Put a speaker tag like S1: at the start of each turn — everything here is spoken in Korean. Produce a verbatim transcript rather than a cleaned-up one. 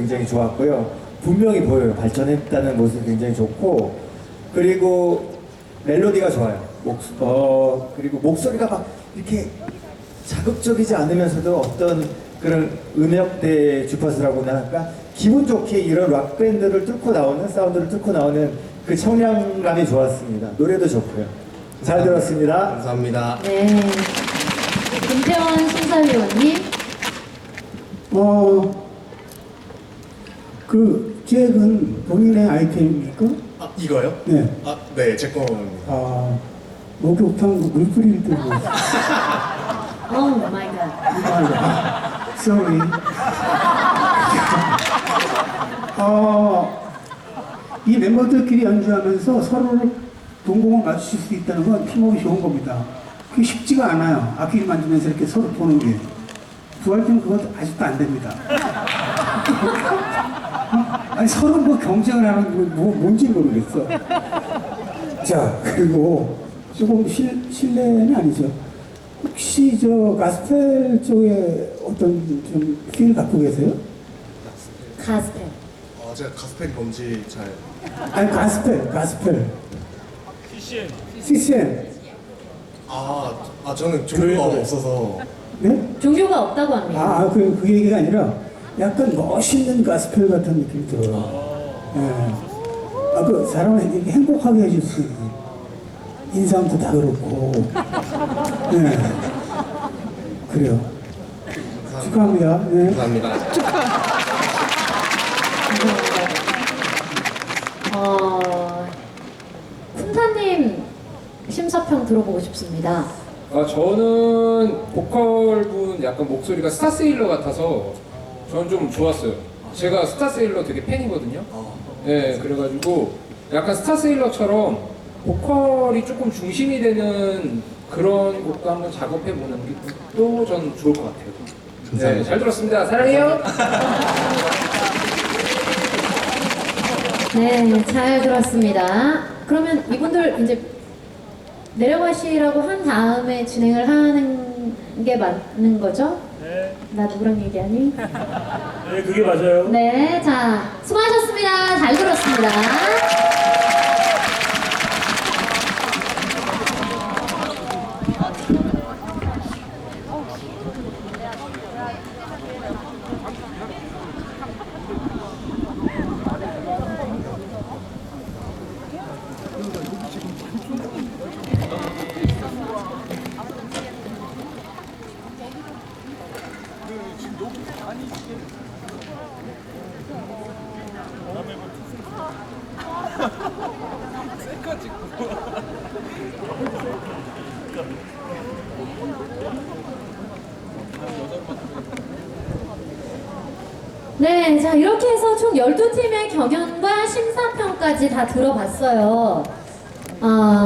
S1: 굉장히 좋았고요. 분명히 보여요. 발전했다는 모습이 굉장히 좋고, 그리고 멜로디가 좋아요. 목, 어, 그리고 목소리가 막 이렇게 자극적이지 않으면서도 어떤 그런 음역대 주파수라고나 할까? 기분 좋게 이런 락밴드를 뚫고 나오는, 사운드를 뚫고 나오는 그 청량감이 좋았습니다. 노래도 좋고요. 잘 들었습니다.
S2: 감사합니다.
S3: 네. 김태원 심사위원님.
S4: 어, 그 잭은 본인의 아이템입니까?
S2: 아, 이거요?
S4: 네.
S2: 아, 네, 제 겁니다.
S4: 아, 목욕탕 물 뿌릴 때 뭐.
S3: 오 마이 갓.
S4: Sorry. 어, 이 멤버들끼리 연주하면서 서로를 동공을 맞추실 수 있다는 건 팀워크 좋은 겁니다. 그게 쉽지가 않아요. 악기를 만지면서 이렇게 서로 보는 게. 부활 때는 그것도 아직도 안 됩니다. 아니, 서로 뭐 경쟁을 하는 거 뭐, 뭔지 모르겠어. 자, 그리고 조금 실, 실례는 아니죠. 혹시 저 가스펠 쪽에 어떤 좀 필 갖고 계세요?
S3: 가스펠.
S2: 어, 제가 가스펠이 뭔지 잘.
S4: 아니, 가스펠, 가스펠. 씨씨엠. 씨씨엠.
S2: 아, 아 저는 종류가 없어서.
S4: 네?
S3: 종교가 없다고 합니다.
S4: 아, 그, 그 얘기가 아니라 약간 멋있는 가스펠 같은 느낌이 들어요. 예. 아, 그 사람을 이렇게 행복하게 해줄 수 있는 인상도 다 그렇고. 예. 그래요. 축하합니다. 네.
S2: 감사합니다.
S3: 어, 쿤타님 심사평 들어보고 싶습니다.
S5: 아, 저는 보컬분 약간 목소리가 스타세일러 같아서 저는 좀 좋았어요. 제가 스타세일러 되게 팬이거든요. 네, 그래가지고 약간 스타세일러처럼 보컬이 조금 중심이 되는 그런 곡도 한번 작업해보는 것도 전 좋을 것 같아요. 네, 잘 들었습니다. 사랑해요.
S3: 네, 잘 들었습니다. 그러면 이분들 이제 내려가시라고 한 다음에 진행을 하는 게 맞는 거죠?
S6: 네.
S3: 나 누구랑 얘기하니?
S6: 네, 그게 맞아요.
S3: 네, 자, 수고하셨습니다. 잘 들었습니다. 네, 자, 이렇게 해서 총 열두 팀의 경연과 심사평까지 다 들어봤어요. 어,